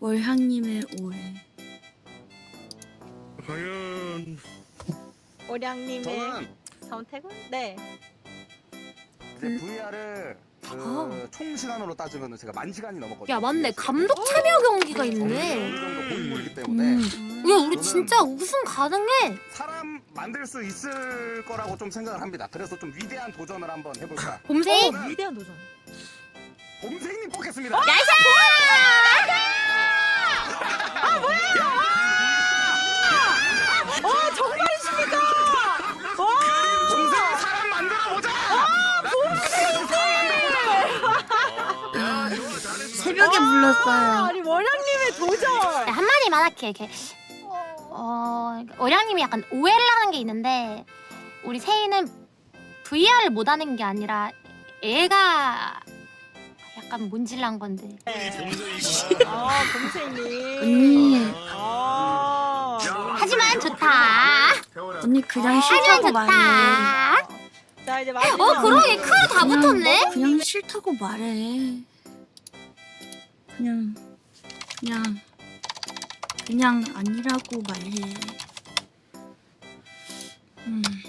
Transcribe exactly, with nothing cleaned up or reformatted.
월향님의 오해. 과연 오량님의 저는 선택은? 네. 이제 음. 브이알을 그 아. 총 시간으로 따지면 제가 만 시간이 넘었거든요. 야 맞네, 감독 참여 경기가 어느 있네. 정도 고인물이기 때문에 음. 야 우리 진짜 우승 가능해. 사람 만들 수 있을 거라고 좀 생각을 합니다. 그래서 좀 위대한 도전을 한번 해볼까. 봄생. 어, 위대한 도전. 봄생님 뽑겠습니다. 어, 정말이십니까? 와! 봄생 사람 만들어 보자. 새벽에 아, 불렀어요. 아니, 월량님의 도전! 야, 한마디만 할게. 이렇게 어 어량님이 약간 오해를 하는 게 있는데, 우리 세이는 브이알을 못하는 게 아니라 애가 약간 몬질란 건데. 아, 봄생님. 언니, 아. 하지만 좋다. 언니 그냥 하지만 싫다고 말해. 좋다. 자, 이제 마지막. 어 그러게 크 다 그냥- 붙었네. 그냥 싫다고 말해. 그냥 그냥 그냥 아니라고 말해. 음.